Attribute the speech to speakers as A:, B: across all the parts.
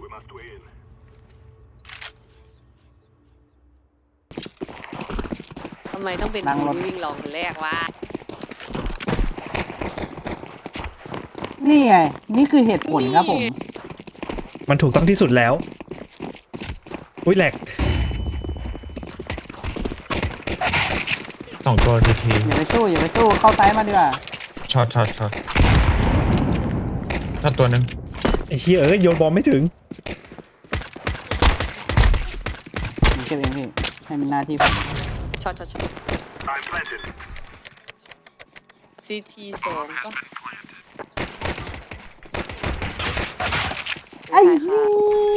A: ทำไมต้องเป็นคุณวิ่งลองคนแรกวะ
B: นี่ไงนี่คือเหตุผลครับผม
C: มันถูกต้องที่สุดแล้วอุ้ยแหลก
D: 2 ตัวที
B: อย่าไปสู้เข้าซ้ายมาดีกว่า
D: ช็อตตัวหนึ่ง
C: ไอ้เหี้ยโยนบอลไม่ถึง
B: ผมเก็บเองพี่ให้มันหน้าที่ผม
A: ช็อตCT 2ก็
B: ไอ้เหี้ย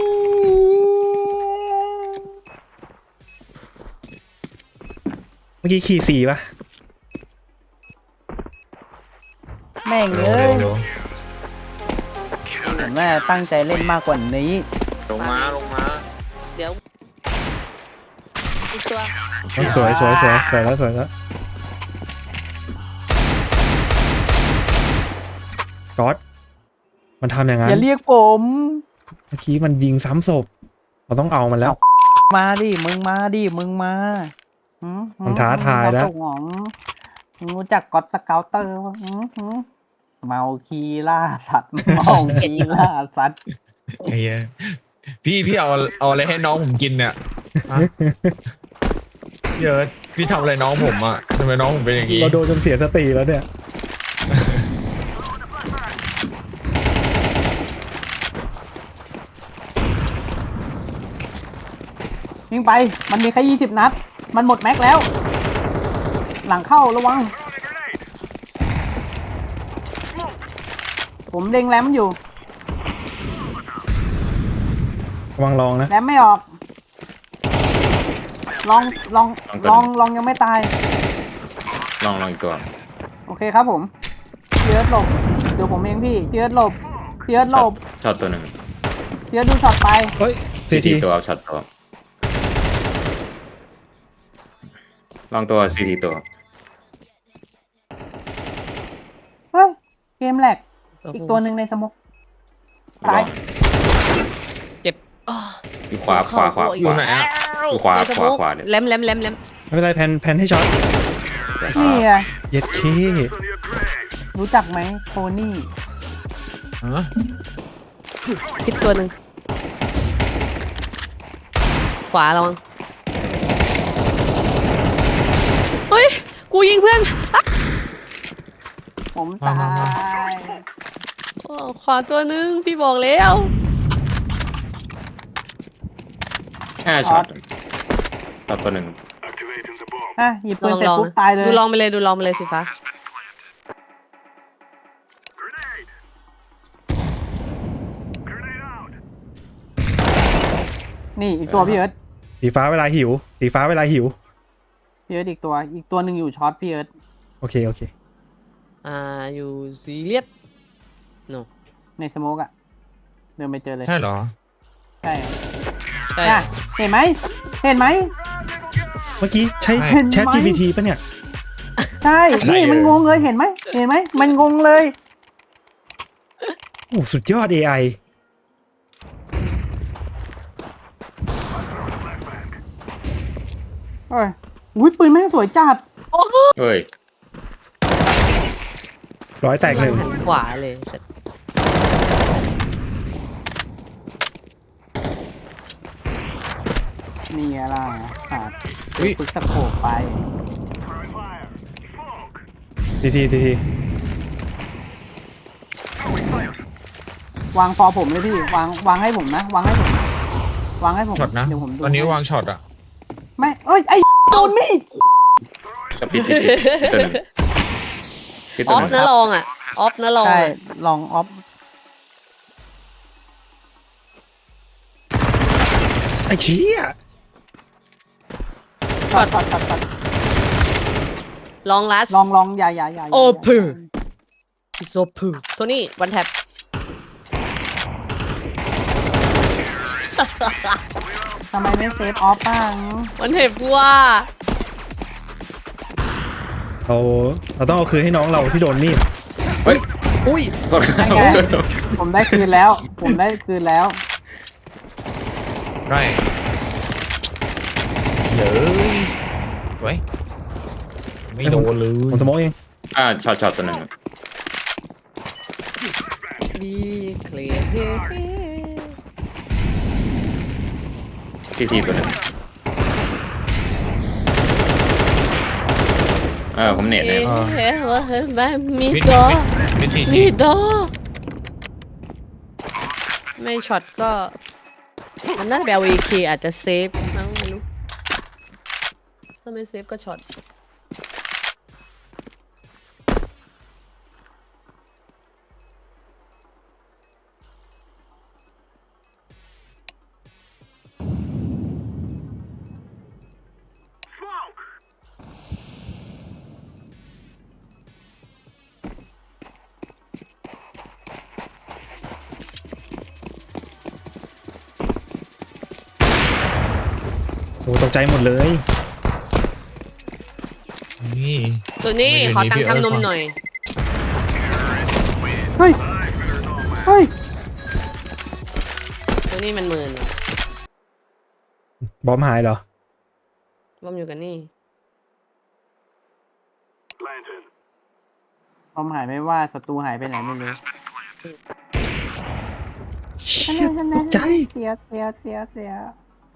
C: เมื่อกี้ขี่4ป่ะ
B: แม่งเอ้ยผมว่าตั้งใจเล่นมากกว่านี้
E: ลงมา
A: เดี๋ยวอีกตัว
C: สวยแล้วก๊อตมันทำอย่างนั้น
B: อย่าเรียกผม
C: เมื่อกี้มันยิงซ้ำศพเราต้องเอามันแล้ว
B: มาดิมึงมา
C: มันท้าทายแล้ว
B: รู้จักก็อดสเกาเตอร์เมาคีล่าสัตว์เมาคีล่าสัตว์
D: ไอ้เหี้ยพี่เอาอะไรให้น้องผมกินเนี่ยเยอะพี่ทำอะไรน้องผมอ่ะทำไมน้องผมเป็นอย่างนี้
C: เราโดนจนเสียสติแล้วเนี่ย
B: ยิงไปมันมีแค่20 นัดมันหมดแม็กแล้วหลังเข้าระวังผมเล็งแรมอยู่
C: ระวังลองนะ
B: แรมไม่ออกลองยังไม่ตาย
E: ลองอีกตัว
B: โอเคครับผมเพียร์หลบเดี๋ยวผมเองพี่เพียร์หลบ
E: ช็อตตัวหนึ่ง
B: เพียร์ดูช็อตไป
C: เฮ้ย
E: CTตัวช็อตตัวลองตัว CT ตัว
B: เฮ้ยเกมแหลกอีกตัวหนึ่งในสมกตาย
A: เจ็บ
E: อยู่ขวา
D: อยู่ไหนอ่ะ
E: อยู่ขวาเนี่ย
A: แหลม
C: ไม่เป็นไรแพนให้ช็อต
B: นี่ไง
C: เย็ดเค
B: รู้จักไหมโทนี่
A: คิดตัวหนึ่งขวาระวังเฮ้ยกูยิงเพื่อน
B: ผมตาย
A: ขวาตัวหนึ่งพี่บอกแล้ว
E: ช็อตตัวหนึ่ง
B: หยิบปืนเสร็จปุ๊บตายเลย
A: ดูลองไปเลยสิฟ้า
B: นี่อีกตัวพี่เอิร์ธ
C: สีฟ้าเวลาหิวพี่เ
B: อิร์ธอีกตัวหนึ่งอยู่ช็อตพี่เอิร์ธ
C: โอเค
A: อยู่ซีเรียสโน
B: ในสโมกอะเดินไปเจอเลย
D: ใช่เหรอ
B: ใช่เห็นไหม
C: เมื่อกี้ใช้ Chat GPT ป่ะเนี่ย
B: ใช่นี่มันงงเลยเห็นไหมมันงงเลย
C: โอ้สุดยอด AI
B: อุ้ยปืนแม่งสวยจัด
E: เฮ้ย
C: ร้อยแตกหนึ่ง
A: ขวาเลย
B: นี่อะไรฝึกสโคปไป
C: ที
B: วางฟอผมเลยพี่วางให้ผมนะวางให้ผม
D: ช็อตนะตอนนี้วางช็อตอ่ะ
B: ไม่ไอ้โดนมีด
E: จะปิดตัวหนึ่ง
A: ออฟนะลอง
B: ใช่ลองออฟ
C: ไอ้เชี่ย
B: ช็อต
A: ลองลัส
B: ลองอย่า
A: โอ้พื้นโซพื้นตัวนี้วันแท็บ
B: ทำไมไม่เซฟออฟบ้าง
A: วันแท็บว่า
C: เราต้องเอาคืนให้น้องเราที่โดนมีด
E: เฮ้ย
C: อุ้ย
B: ผมได้คืนแล้ว
D: ได้เลยไว้ไม่โดนเลย
C: ผมสโมกเอง
E: ช็อตตัวหนึ่ง
A: บีเคลียร์เฮ้
E: ทีตัวหนึ่งผมเน็ตเลย
A: เฮ้ว่าเฮ้ยแบบมี
D: มิด
A: ดอ
D: มิดซี
A: มีดอไม่ช็อตก็มันน่าจะแบบวีคีอาจจะเซฟมั้งไม่รู้ถ้าไม่เซฟก็ช็อต
C: โอ้ตกใจหมดเลย
D: นี่
A: ส่วนนี้ขอตังค์ทำนมหน่อย
B: เฮ้ยเฮ้ย
A: ตัวนี้มันหมื่นเหรอบ
C: อมหายเหรอ
A: รวมอยู่กันนี่
B: ความหายไม่ว่าศัตรูหายไปไหนไม่รู้
C: เชี่ยตกใจ
B: เสีย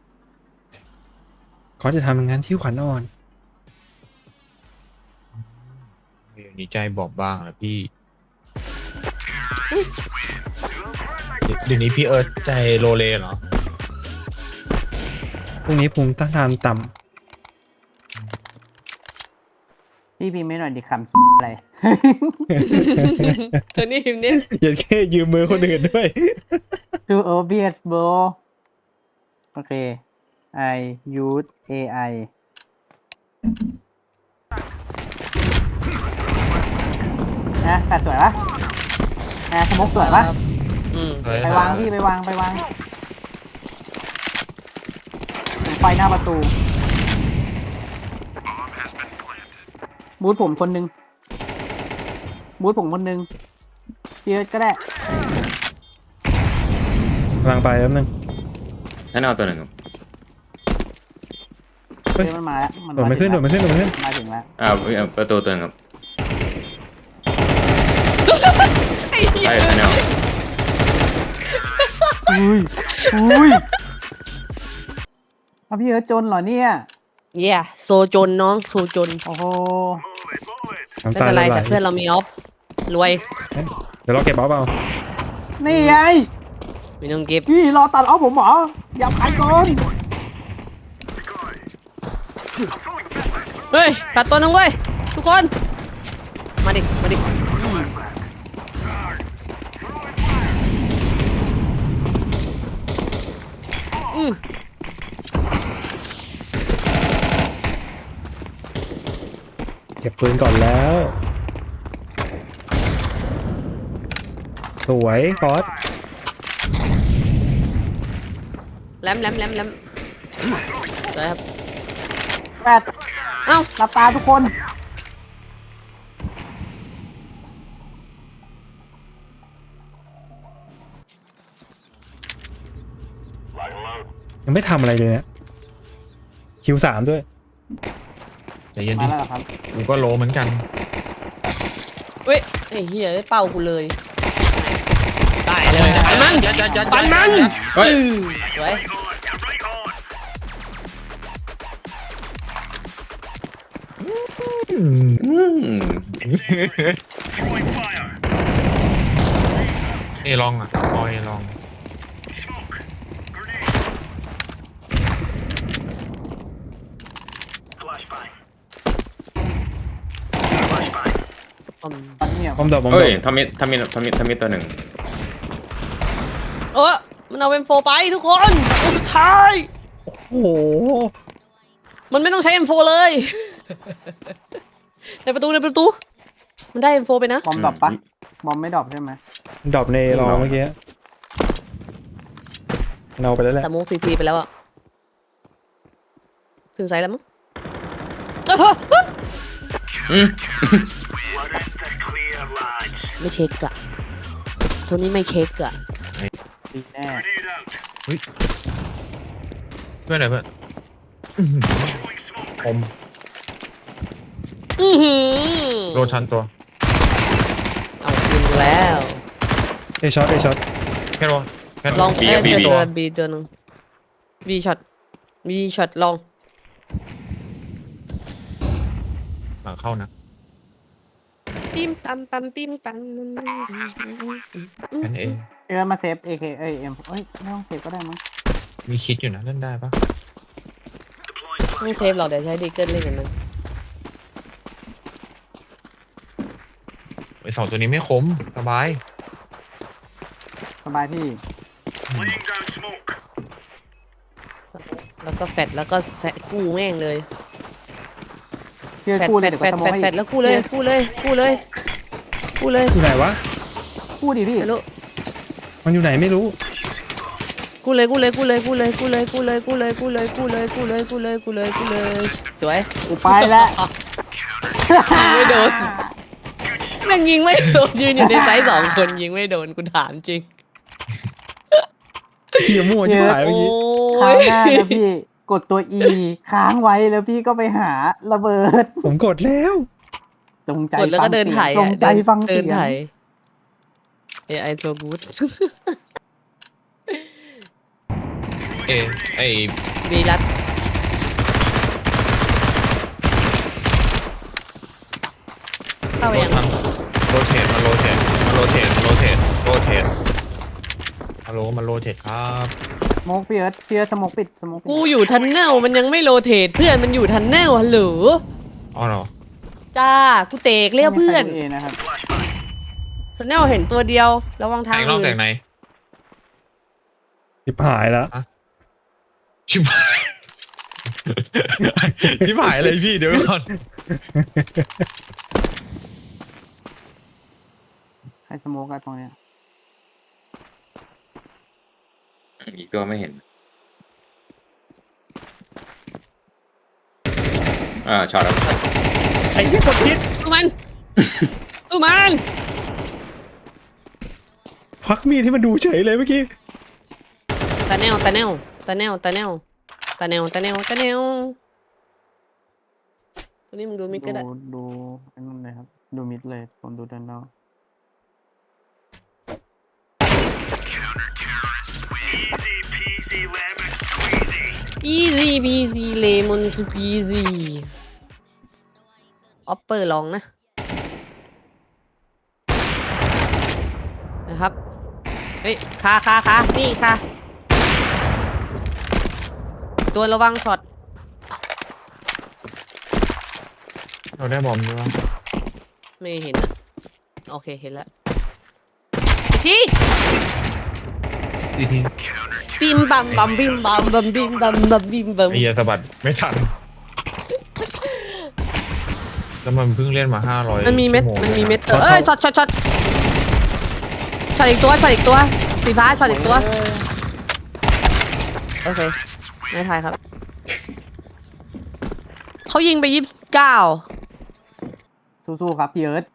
C: เขาจะทำงานที่ขวัญอ่อน
D: เดี๋ยวนี้ใจบอบบางแล้วพี่ เดี๋ยวนี้พี่เอิร์ธใจโลเลเหรอ
C: พรุ่งนี้ภูมิต้านทานต่
B: พี่พิมพ์ไม่หน่อยดิคำอะไร
A: ตัวนี้พิมพ์เนี่ย
C: ำอย่าแค่ยืมมือคนอื่นด้วย
B: Too obvious bro โอเค I use AI นะแฟดสวยปะนะสมกสวยปะ
A: อืม
B: ไปวางพี่ไปวางผมไฟหน้าประตู บูธผมคนหนึ่งพี่เอิร์ธก็ได้
C: กำลังไปแป๊บนึง
E: ท่านเอาตัวหนึ่ง
C: เฮ้ย
B: เดี๋ยวมันมาแล้ว
C: โดดไม่ขึ้น
B: มาถึงแล้ว
E: ประตูตัวหนึ่งครับ
A: ไอ้เหี้ย
E: ใช่ท่านเอา
B: อุ้ยเอาพี่เอิร์ธจนเหรอเนี่ย
A: เย่โซจนน้องโซจน
B: โอ้โห
C: น้ำ
A: ไม่
C: ตา
A: เป็น
C: ไห
A: ไร
C: ล
A: แต่เพื่อนเรามีออฟรวย
C: เดี๋ยวเราเก็บออฟเอา
B: นี่ไง
A: ไม่ต้องเก็บ
B: พี่รอตัดเอาผมเหรอ อย่าไปก่อน
A: เฮ้ยตัดตัวนึงเว้ยทุกคนมาดิอืม
C: เก็บปืนก่อนแล้ว สวยคอส
A: แหลมสวยครับ
B: แปด
A: เอ้า
B: หลับตาทุกคน
C: ยังไม่ทำอะไรเลยเนี่ยคิว3ด้วย
D: ใจเย็น
B: มา
D: ดิ
B: แล้วเหรอครับ
D: กูก็โลเหมือนกัน
A: เฮ้ยไอ้เหี้ยเป้ากูเลยตายเลยปันมัน ปันมัน
E: เฮ้ย
A: สวย
E: อืม
D: เอลองอ่ะออยลอง
A: อืม
B: ตอนนี้อ่ะ
C: บอมดอกบอมด
E: เฮ้
C: อย ก
E: ทำมิดตัวหนึ่ง
A: มันเอาเอ็มโฟไปทุกคนตัวสุดท้าย
C: โอ้โห
A: มันไม่ต้องใช้ M4 เลย ในประตู มันได้ M4 ไปนะ
B: บอมดรอปปะบอมไม่ดรอปใช่ไหม
C: ดรอปในรอเมื่อกี้เราไปแล้วแหละ
A: แต่มุกซีไปแล้วอะถึงไซส์แล้วมั้ง
E: อืม
A: ไม่เช็คอะตัวนี้ไม่เช็คอะ
B: ดีแน่
D: เพื่อนไหนเพื่อนอื้อหือผม
A: อื้อหือ
D: โดนทันตัว
A: เอาคืนแล้ว
C: เอช็อต
D: แค่รอแค่
A: ลอง
D: บี
A: เอ้ย
D: บี
A: เจอ
D: ตั
A: ตัว วบีตัวหนึงบีช็อตลอง
D: หลังเข้านะ
A: ปิ้มปั๊มปั๊มปิ้มปั๊ม
D: แค่นี้เอง
B: เออมาเซฟ AK เอ้ยเอ็มเอ้ยไม่ต้องเซฟก็ได้มั้ง
D: มีคิดอยู่นะเล่นได้ปะ
A: ไม่เซฟหรอกเดี๋ยวใช้ดีเกิลเล่นกันมัน
D: ไอสองตัวนี้ไม่คมสบาย
B: สบายพี่
A: แล้วก็แฟดแล้วก็แซะกู้แม่งเลย
B: พี่เอิร์ธ
A: แฟด
B: กู้เล
A: แฟ
B: ย
A: ด
B: เดี๋ยว
A: แฟ
B: ก็
A: ด
B: สโม
A: แฟ
B: อง
A: ด
B: ให้
A: แฟดแล้วกู้เลยกู้เลยกู้เลยกู้เลย
C: อยู่ไหนวะ
B: กู้ดิพี่
A: ไม่รู้
C: มันอยู่ไหนไม่รู้
A: กู้เลยกู้เลยกู้เลยกู้เลยกู้เลยกู้เลยกู้เลยกู้เลยกู้เลยกู้เลยกู้เลยกู้เลยกู้เลยสวย
B: กูไปแล้ว
A: ไม่โดน แม่งยิงไม่โดนยืนอยู่ในไซส์2 คนยิงไม่โดนกูถามจริง
C: เขี่ยมั่วชิบหาย
A: โอ้
C: เมื่อกี้
B: คราวหน้านะพี่กดตัว E ค้างไว้แล้วพี่ก็ไปหาระเบิด
C: ผมกดแล้ว
B: จงใจ
A: กดแล้วก็เดินไถ
B: จงใจฟัง
A: เดิ
B: เสี
A: น
B: ย
A: ไถ
B: ง
A: AI so good
D: เอไอ
A: บีรัดเข้าไป
D: โด
A: ยั
D: น
A: ง
D: ทันโรเทตมาโรเทตมาโรเทตโรเทตโรเทตฮัลโหลมาโรเทตครับ
B: สโมกพี่เอิร์ธสโมกปิดสโมกปิด
A: กูอยู่ทันเนลมันยังไม่โรเทตเพื่อนมันอยู่ทันเนลฮัลโหล
D: อ๋อเหรอ
A: จ้ากูเตกเรียกเพื่อน
B: ไม่ใช่ A นะครับ
A: ทันเนลเห็นตัวเดียวระวังทา
D: แต่
A: ง
D: งนอก
A: อื่
D: แต่
A: น
D: งใน
C: ชิบหายแล้ว
D: ชิบหาย ชิบหายเลยพี่เดี๋ยวก่อน
B: ให้สโมกกันตรงเนี้ย
E: อีกตัวไม่เห็นช็อตแล้ว
C: ไอ้ยี่กดพิษ
A: สู้มัน สู้มัน
C: ควักมีดที่มันดูเฉยเลยเมื่อกี้
A: ตาแนวตาแนวตาแนวตาแนวตาแนวตาแนวตาแนวตัวนี้มึงดูมิกก็ได้
B: ดูไอ้นั่นเลยครับดูมิดเลยผมดูด้านนอก
A: easy peasy lemon squeezy ออปเปอร์ลองนะครับเฮ้ยคานี่ค่ะตัวระวังช็อต
D: เราได้บอมด้วยวะ
A: ไม่เห็นนะโอเคเห็นแล้วที
D: ทีที
A: บิมบัมบัมบิมบัมบัมบิมบัมบัมบิมบัม
D: ไอ้เหี้ยสะบัดไม่ทัน แล้วมันเพิ่งเล่นมา500
A: มันมีเม็ด
D: ชั่วโง
A: มันมีเม็ด
C: ช็อต
A: เอ้ยช็อตอีกตัวสีฟ้าช็อตอีกตัวโอเคไม่ทายครับเขายิงไป29
B: สู้ๆครับพี่เอิร์ธ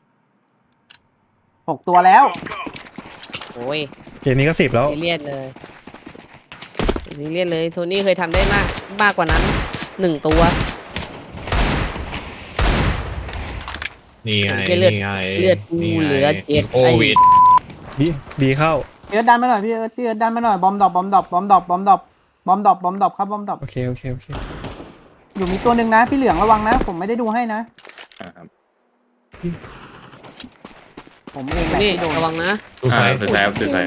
B: 6 ตัวแล้ว
A: โอ้ย
C: เกมนี้ก็10แล้ว
A: ซีเรียสเลยโทนี่เคยทำได้มากกว่านั้น1 ตัว
D: นี่ไง
A: เลือด
D: นี่ไง
A: เลือดกู
D: นี่ไง
A: เหลือ7
D: โควิด
C: บีเข้า
B: พี่เอิร์ธดันมาหน่อยพี่เอิร์ธดันมาหน่อยบอมดรอปครับบอมดรอป
C: โอเค
B: อยู่มีตัวหนึ่งนะพี่เหลืองระวังนะ ผมไม่ได้ดูให้นะ
E: ครับ
B: ผมเองแหละ
A: นี่
B: ที่โดน
A: ระวังนะ
D: ดูไฟ
E: สุดท้ายครับสุดท้าย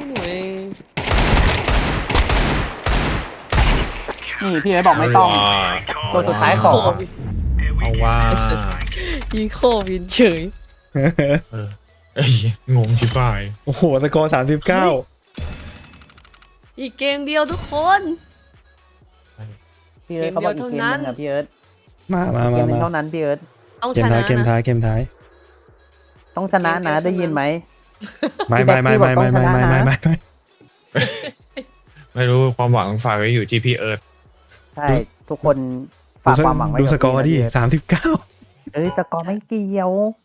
B: นี่พี่เอิร์ธบอกไม่ต้อง ตัวสุดท้ายของ
D: เอาว่า
A: อีโควินเฉย
D: เออเอ้ยงงชิบหาย
C: โอ้โหสกอร์39
A: อีกเกมเดียวทุกคน
B: พี่เอิร์ธเขาบอกอีกเกมหนึงนะพี่เอิร์ธ
C: มา
B: เกมหนึงเท่านั้นพี่เอิร์ธ
A: ต้อง
C: เก
A: ช
C: ม
A: นะ
C: ท้ายเกม
A: นะ
C: ท้ายเกมท้าย
B: ต้องชนะนะได้ยินไหม
C: ไม่
D: ไม่รู้ความหวังฝากไว้อยู่ที่พี่เอิร์ธ
B: ใช่ทุกคนฝากความหวังไว้
C: ดู
B: กับ
C: สกอร์ดิ
B: พี่นะพี่เอิร์ธ
C: 39
B: เอ้ยสกอร์ไม่เกี่ยว